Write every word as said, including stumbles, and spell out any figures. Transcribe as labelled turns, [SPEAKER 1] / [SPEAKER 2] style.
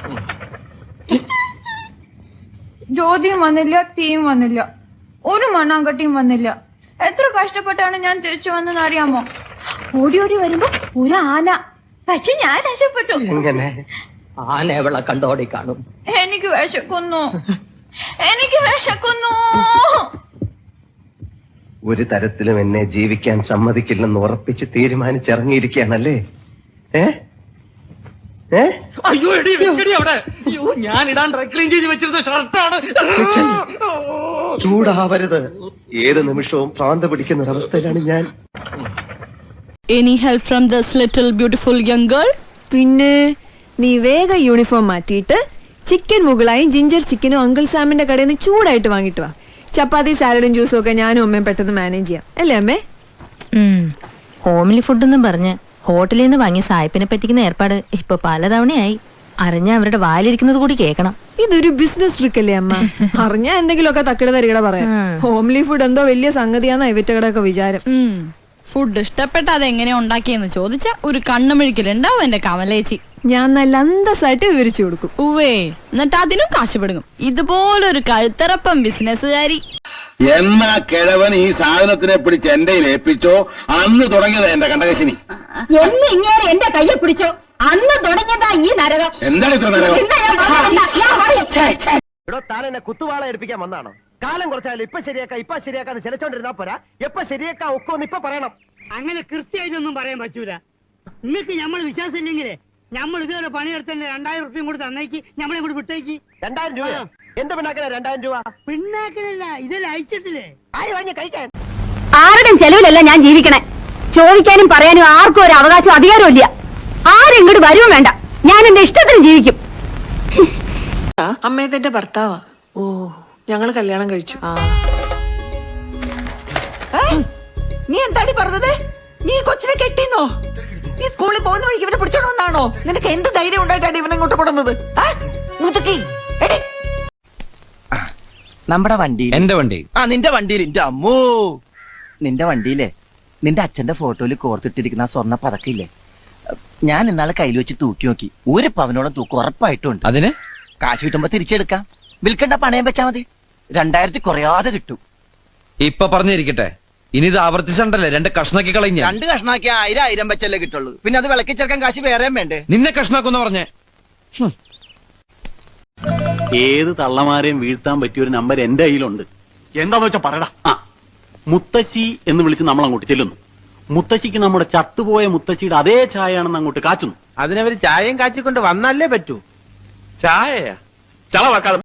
[SPEAKER 1] ജ്യോതിയും വന്നില്ല, തീയും വന്നില്ല, ഒരു മണ്ണാങ്കട്ടിയും വന്നില്ല. എത്ര കഷ്ടപ്പെട്ടാണ് ഞാൻ തിരിച്ചു വന്നെന്ന് അറിയാമോ? ഓടി ഓടി വരുമ്പോ ഒരു ആന, പക്ഷെ ഞാൻ രക്ഷപ്പെട്ടു.
[SPEAKER 2] ആന എവളെ കണ്ടോടി കാണും.
[SPEAKER 1] എനിക്ക് വിശക്കുന്നു, എനിക്ക് വിശക്കുന്നു.
[SPEAKER 3] ഒരു തരത്തിലും എന്നെ ജീവിക്കാൻ സമ്മതിക്കില്ലെന്ന് ഉറപ്പിച്ച് തീരുമാനിച്ചിറങ്ങിയിരിക്കുകയാണല്ലേ? ഏ ഏ
[SPEAKER 4] അയ്യോ എടി വെക്കടി അവിടെ. അയ്യോ ഞാൻ ഇടാൻ ഡ്രൈ ക്ലീൻ ചെയ്ത് വെച്ചിരുന്ന ഷർട്ടാണ്.
[SPEAKER 3] ചൂടാവരുത്. ഏത് നിമിഷവും ഭ്രാന്ത് പിടിക്കുന്ന ഒരവസ്ഥയിലാണ് ഞാൻ.
[SPEAKER 5] Any help from this little beautiful young girl?
[SPEAKER 6] പിന്നെ നീ വേഗം യൂണിഫോം മാറ്റിയിട്ട് ചിക്കൻ മുകളായും ജിഞ്ചർ ചിക്കനും അങ്കിൾ സാമിന്റെ കടയിൽ നിന്ന് ചൂടായിട്ട് വാങ്ങിട്ട് വാ. ചപ്പാത്തി സാലഡും ജ്യൂസും ഒക്കെ ഞാനും അമ്മയും പെട്ടെന്ന് മാനേജ് ചെയ്യാം, അല്ലേ അമ്മേ?
[SPEAKER 7] ഹോംലി ഫുഡെന്നും പറഞ്ഞ് ഹോട്ടലിൽ നിന്ന് വാങ്ങിയ സായിപ്പിനെ പറ്റിക്കുന്ന ഏർപ്പാട് ഇപ്പൊ പലതവണയായി. അറിഞ്ഞ അവരുടെ വായിലിരിക്കുന്നത് കൂടി കേൾക്കണം.
[SPEAKER 6] ഇതൊരു ബിസിനസ് ട്രിക്ക് അല്ലേ അമ്മ? അറിഞ്ഞ എന്തെങ്കിലുമൊക്കെ തക്കിട തരികട പറയാം. ഹോംലി ഫുഡ് എന്തോ വലിയ സംഗതിയാന്ന ഇവറ്റകടൊക്കെ വിചാരം.
[SPEAKER 5] ഫുഡ് ഇഷ്ടപ്പെട്ട അതെങ്ങനെയാ ഉണ്ടാക്കിയെന്ന് ചോദിച്ചാ ഒരു കണ്ണുമിഴിക്കലുണ്ടാവും എന്റെ കമലേച്ചി.
[SPEAKER 6] ഞാൻ നല്ല അന്തസ്സായിട്ട് വിവരിച്ചു കൊടുക്കും.
[SPEAKER 5] ഉവേ, എന്നിട്ട് അതിനും കാശുപെടുങ്ങും. ഇതുപോലൊരു കഴുത്തറപ്പം ബിസിനസ്സുകാരി.
[SPEAKER 8] എന്നാ കിഴവൻ ഈ സാധനത്തിനെ പിടിച്ച് എന്റെ ഏൽപ്പിച്ചോ അന്ന് തുടങ്ങിയത് എന്റെ കണ്ടകശിനി.
[SPEAKER 9] എന്ന് ഇങ്ങനെ എന്റെ കയ്യെ പിടിച്ചോ അന്ന് തുടങ്ങിയതാ ഈ നരകം.
[SPEAKER 8] എന്താണ് ഇത്ര നരകം?
[SPEAKER 3] ഇവിടെ താൻ എന്നെ കുത്തുവാള എടുപ്പിക്കാൻ വന്നാണോ? കാലം കുറച്ചാലും ഇപ്പൊ ശരിയാക്കാം ഇപ്പൊ ശരിയാക്കാന്ന് ചിലച്ചോണ്ടിരുന്നാ പോരാ. എപ്പൊ ശരിയാക്കാ ഒക്കൊന്ന് ഇപ്പൊ പറയണം.
[SPEAKER 4] അങ്ങനെ കൃത്യമായിട്ടൊന്നും പറയാൻ പറ്റൂല. നിങ്ങൾക്ക് നമ്മൾ വിശ്വാസം ഇല്ലെങ്കിലേ നമ്മൾ ഇതുവരെ പണിയെടുത്തന്നെ രണ്ടായിരം റുപ്യം കൂടി തന്നേക്ക്, നമ്മളെ കൂടി വിട്ടേക്ക്.
[SPEAKER 3] രണ്ടായിരം രൂപ എന്ത് പിണ്ണാക്കണ? രണ്ടായിരം രൂപ
[SPEAKER 4] പിണ്ണാക്കലല്ല, ഇതെല്ലാം അയച്ചിട്ടില്ലേ?
[SPEAKER 3] ആര് വാങ്ങി കഴിക്കാൻ?
[SPEAKER 9] ആരുടെയും ചെലവിലല്ല ഞാൻ ജീവിക്കണേ. ചോദിക്കാനും പറയാനും ആർക്കും ഒരു അവകാശം അധികാരവും ഇല്ല. ആരും ഇങ്ങോട്ട് വരുവും വേണ്ട. ഞാൻ എന്റെ ഇഷ്ടത്തിന് ജീവിക്കും.
[SPEAKER 6] അമ്മയത്തെ ഭർത്താവാ. ഓ, ഞങ്ങള് കല്യാണം കഴിച്ചു.
[SPEAKER 10] നീ എന്താടി പറഞ്ഞത്? നീ കൊച്ചിനെ കെട്ടിന്നോ? നീ സ്കൂളിൽ പോകുന്ന വഴിക്ക് ഇവനെ പിടിച്ചോണമെന്നാണോ? നിനക്ക് എന്ത് ധൈര്യം ഉണ്ടായിട്ടാണ് ഇവനെ ഇങ്ങോട്ട് കൊടുന്നത്? നമ്മുടെ വണ്ടി,
[SPEAKER 4] എന്റെ വണ്ടി.
[SPEAKER 10] ആ നിന്റെ വണ്ടിയിൽ. എന്റെ അമ്മോ, നിന്റെ വണ്ടിയിലെ നിന്റെ അച്ഛന്റെ ഫോട്ടോയിൽ കോർത്തിട്ടിരിക്കുന്ന ആ സ്വർണ്ണ പതക്കില്ലേ, ഞാൻ ഇന്നാളെ കയ്യിൽ വെച്ച് തൂക്കി നോക്കി. ഒരു പവനോളം തൂക്കം ഉറപ്പായിട്ടുണ്ട്.
[SPEAKER 4] അതിന്
[SPEAKER 10] കാശ് കിട്ടുമ്പോ തിരിച്ചെടുക്കാം. വിൽക്കണ്ട, പണയം വെച്ചാ മതി. രണ്ടായിരത്തി കുറയാതെ കിട്ടും.
[SPEAKER 4] ഇപ്പൊ പറഞ്ഞിരിക്കട്ടെ, ഇനി ഇത് ആവർത്തിച്ചണ്ടല്ലേ രണ്ട് കഷ്ണാക്കി കളഞ്ഞ.
[SPEAKER 10] രണ്ട് കഷ്ണാക്കി ആയിരം ആയിരം വെച്ചല്ലേ കിട്ടുള്ളൂ. പിന്നെ അത് വിളക്കി ചേർക്കാൻ കാശ് വേറെയും വേണ്ടേ?
[SPEAKER 4] നിന്നെ കഷ്ണാക്കുന്ന പറഞ്ഞേ.
[SPEAKER 11] ഏത് തള്ളമാരെയും വീഴ്ത്താൻ പറ്റിയ ഒരു നമ്പർ എന്റെ കയ്യിലുണ്ട്. എന്താന്ന് വെച്ചാ പറയടാ. ആ, മുത്തശ്ശി എന്ന് വിളിച്ച് നമ്മൾ അങ്ങോട്ട് ചെല്ലുന്നു. മുത്തശ്ശിക്ക് നമ്മുടെ ചത്തുപോയ മുത്തശ്ശിയുടെ അതേ ചായയാണെന്ന് അങ്ങോട്ട് കാച്ചുന്നു.
[SPEAKER 4] അതിനവര് ചായയും കാച്ചിക്കൊണ്ട് വന്നല്ലേ പറ്റൂ. ചായയാ ചളവാക്കാതെ